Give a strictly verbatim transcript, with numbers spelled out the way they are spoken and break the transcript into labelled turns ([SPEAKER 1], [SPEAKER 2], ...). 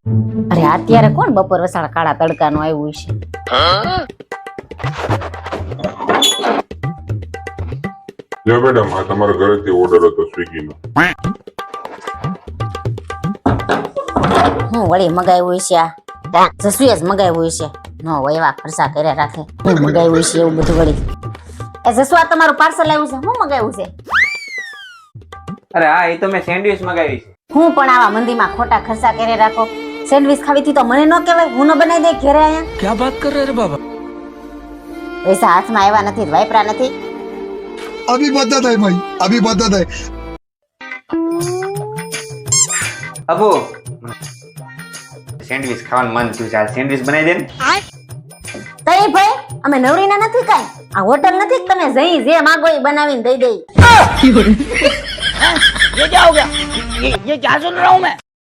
[SPEAKER 1] અરે અત્યારે કોણ બપોર વસાળ કાળા તડકાનું આવ્યું છે?
[SPEAKER 2] જો મેડમ આ તમારા ઘરેથી ઓર્ડર હતો સ્વિગીનો.
[SPEAKER 1] હું વળી મગાવ્યું છે આ જસુએ જ મગાવ્યું છે. નો એવા ખર્ચા કર્યા રાખે. હું મગાવ્યું છે એવું બધું વળી. એ જસુ આ તમારું પાર્સલ આવ્યું છે? હું મગાવ્યું છે?
[SPEAKER 3] અરે હા, એ તો મેં સેન્ડવિચ મગાવી છે.
[SPEAKER 1] હું પણ આવા મંદીમાં ખોટા ખર્ચા કર્યા રાખો. સેન્ડવિચ ખાવી હતી તો મને ન કહેવાય? હું ન બનાવી દે ઘરે આયા.
[SPEAKER 4] क्या बात कर रहे रे बाबा?
[SPEAKER 1] પૈસા હાથમાં આવ્યા નથી, વાપરા નથી.
[SPEAKER 5] अभी बदत है भाई, अभी बदत है.
[SPEAKER 3] અબુ સેન્ડવિચ ખાવાનું મન થયું છે, આ સેન્ડવિચ બનાવી દે ને.
[SPEAKER 1] તઈ ભાઈ અમે નવરીના નથી કાઈ. આ હોટલ નથી કે તમે જઈ જે માંગો એ બનાવીને દઈ દઈ.
[SPEAKER 4] ये क्या हो गया? ये ये क्या सुन रहा हूँ मैं?